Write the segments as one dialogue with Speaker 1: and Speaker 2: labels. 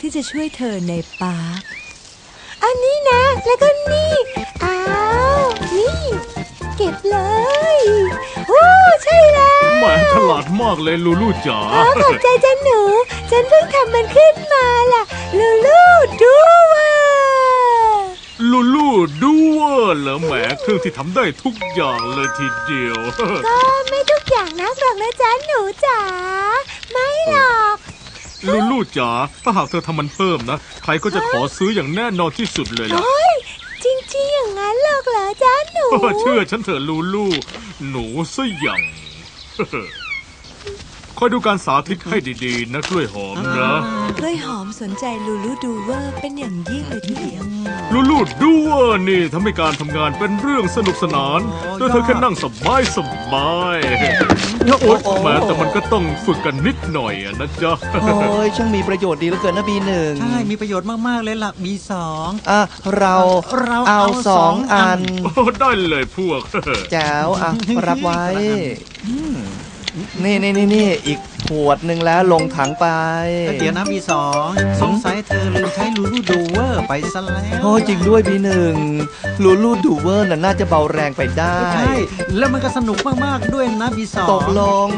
Speaker 1: ที่จะช่วยเธอในปาร์คอันนี้นะแล้วก็นี่อ้าวนี่เก็บเลยโอ้ใช่แล้ว
Speaker 2: แหมฉลาดมากเลยลูลูจ๋า
Speaker 1: ขอบใจจ้ะหนูฉันเพิ่งทำมันขึ้นมาล่ะลูลูดูว่า
Speaker 2: ลูลูดูว่าเหรอแหมเครื่องที่ทำได้ทุกอย่างเลยทีเดียว
Speaker 1: ก็ไม่ทุกอย่างนักหรอกนะจ๊ะหนูจ๋าไม่หรอก
Speaker 2: ลูลูจ๋าถ้าหากเธอทำมันเพิ่มนะใครก็จะขอซื้ออย่างแน่นอนที่สุดเลยล่ะ
Speaker 1: จริงๆอย่างนั้นหรอกเหรอจ๊ะหนู
Speaker 2: เชื่อฉันเถอะลูลูหนูซะอย่างคอยดูการสาธิตให้ดีๆนะกล้วยหอมนะ
Speaker 1: กล้วยหอมสนใจลูลูดูเวอร์เป็นอย่างยิ่งเลยทีเดียว
Speaker 2: ลูลูดูเวอร์นี่ทำให้การทำงานเป็นเรื่องสนุกสนานโดยเธอแค่นั่งสบายโอ๊ยแม้แต่มันก็ต้องฝึกกันนิดหน่อยนะจ๊ะ
Speaker 3: โอ้ยช่างมีประโยชน์ดีเหลือเกินนะบีหนึ่ง
Speaker 4: ใช่มีประโยชน์มากๆเลยล่ะบีสอง
Speaker 3: เราเอา2 อัน
Speaker 2: ได้เลยพวก
Speaker 3: แจ๋วรับไว้นี่อีกขวดหนึ่งแล้วลงถังไป
Speaker 4: เดี๋ยวนะบีสองสงสัยเธอลืมใช้ลูลูดูเวอร์ไปซะแล้ว
Speaker 3: โอ้จริงด้วยบีหนึ่งลูลูดูเวอร์น่าจะเบาแรงไปได้
Speaker 4: ใช่แล้วมันก็สนุกมากๆด้วยนะบีสอง
Speaker 3: ตกลง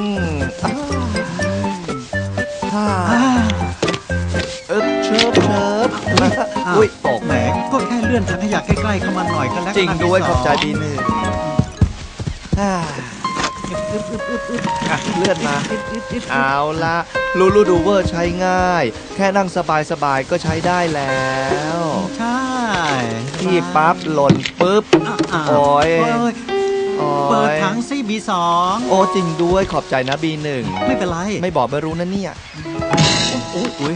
Speaker 3: เชิบอุ้ยตก
Speaker 4: แหมก็แค่เลื่อนถังขยะใกล้ๆเข้ามาหน่อยก็แล้ว
Speaker 3: จริงด้วยขอบใจบีหนึ่งเลื่อนมาเอาละลูลูดูเวอร์ใช้ง่ายแค่นั่งสบายๆก็ใช้ได้แล้ว
Speaker 4: ใช่
Speaker 3: ที่ปั๊บหล่นปุ๊บโอ้ย
Speaker 4: เปิดถังซิบีสอง
Speaker 3: โอ้จริงด้วยขอบใจนะบีหนึ่ง
Speaker 4: ไม่เป็นไร
Speaker 3: ไม่บอกไม่รู้นะเนี่ยอุ้ย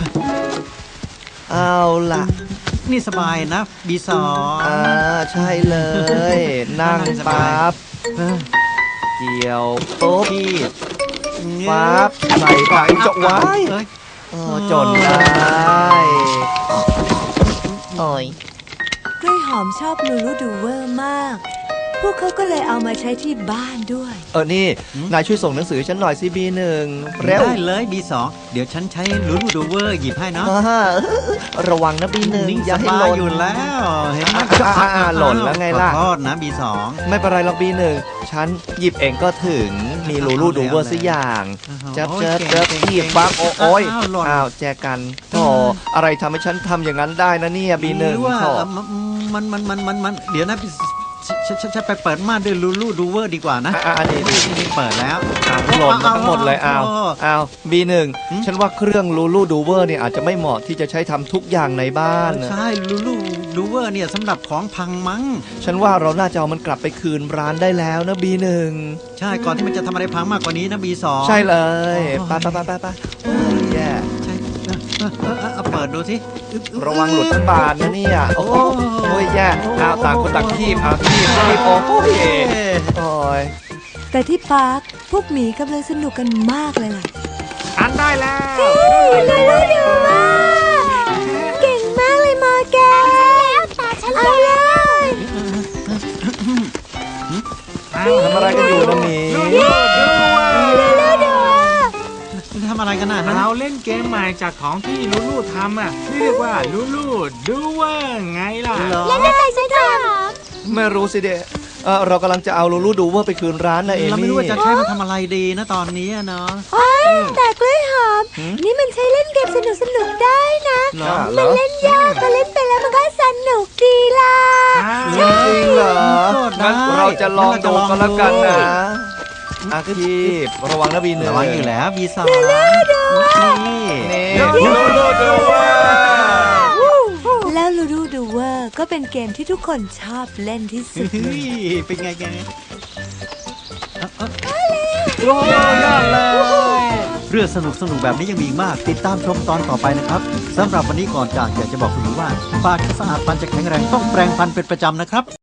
Speaker 3: เอาล่ะ
Speaker 4: นี่สบายนะบีสอง
Speaker 3: ใช่เลยนั่งปั๊บเกี่ยวปุ๊บปั๊บใส่ถังจกไว้จนได้
Speaker 1: โอ้ยกล้วยหอมชอบลูลูดูเวอร์มากพวกเขาก็เลยเอามาใช้ที่บ้านด้วย
Speaker 3: นี่นายช่วยส่งหนังสือฉันหน่อยสิบีหนึ่งเร็ว
Speaker 4: ได้เลยบีสองเดี๋ยวฉันใช้ลูลูดูเวอร์หยิบให้เนาะ
Speaker 3: ระวังนะบีหนึ่งอย่าให้หล่น
Speaker 4: อยู่แล้วเห็นไหม
Speaker 3: หล่นแล้วไงล่ะ
Speaker 4: ขอโทษนะบีสอง
Speaker 3: ไม่เป็นไรหรอกบีหนึ่งฉันหยิบเองก็ถึงมีลูลูดูเวอร์สักอย่างเจ็บหยิบปั๊บโอ้ยอ้าวแจกันโธ่อะไรทำให้ฉันทำอย่างนั้นได้นะเนี่ยบีหนึ่ง
Speaker 4: มันเดี๋ยวนะฉันไปเปิดม่านด้วยลูลูดูเวอร์ดีกว่านะ
Speaker 3: อันนี้
Speaker 4: เปิดแล้ว
Speaker 3: หล่นทั้งหมดเลยอ้าวบีหนึ่งฉันว่าเครื่องลูลูดูเวอร์เนี่ยอาจจะไม่เหมาะที่จะใช้ทำทุกอย่างในบ้าน
Speaker 4: ใช่ลูลูดูเวอร์เนี่ยสำหรับของพังมั้ง
Speaker 3: ฉันว่าเราน่าจะเอามันกลับไปคืนร้านได้แล้วนะบีหนึ่ง
Speaker 4: ใช่ก่อนที่มันจะทำอะไรพังมากกว่านี้นะบีสอง
Speaker 3: ใช่เลยไปแย่
Speaker 4: เปิดดูสิ
Speaker 3: ระวังหลุดทั้งบานนะเนี่ยโอ้ยแย่ต่างคนต่างคีบคีบโอ้ย
Speaker 1: แต่ที่ปาร์คพวกหมีกำลังสนุกกันมากเลยล่ะ
Speaker 2: อันได้แล้ว
Speaker 1: เลยดูมากเก่งมากเลยมาแกเอาเลย
Speaker 3: ทำอะไรกันอยู่นะหมี
Speaker 4: ทำอะไรกันนะ
Speaker 2: เราเล่นเกมใหม่จากของที่ลูลูทำที่เรียกว่าลูลูดูว่าไงล่ะ
Speaker 1: เล่นอะไรสิคะ
Speaker 3: ไม่รู้สิเดเรากำลังจะเอาลูลูดูว่าไปคืนร้านนะเอมี่
Speaker 4: เราไม่รู้ว่าจะใช้มันทำอะไรดีนะตอนนี้เนาะ
Speaker 1: แต่กล้วยหอมนี่มันใช้เล่นเกมสนุกได้นะมันเล่นยากแต่เล่นไปแล้วมันก็สนุกดีล่ะ
Speaker 3: จริงเหรองั้นเราจะลองดูกันแล้วกันนะอาคีบระวังนะบีหนึ่ง
Speaker 4: ระวังอยู่แล้วบีสอง
Speaker 3: ลูลูดูว่า
Speaker 1: แล้วลูลูดูว่าก็เป็นเกมที่ทุกคนชอบเล่นที่สุด
Speaker 4: เป็นไงแก
Speaker 3: โอ้ยยอดเลย
Speaker 4: เรื่องสนุกแบบนี้ยังมีมากติดตามชมตอนต่อไปนะครับสำหรับวันนี้ก่อนจากอยากจะบอกคุณว่าปากสะอาดฟันจะแข็งแรงต้องแปรงฟันเป็นประจำนะครับ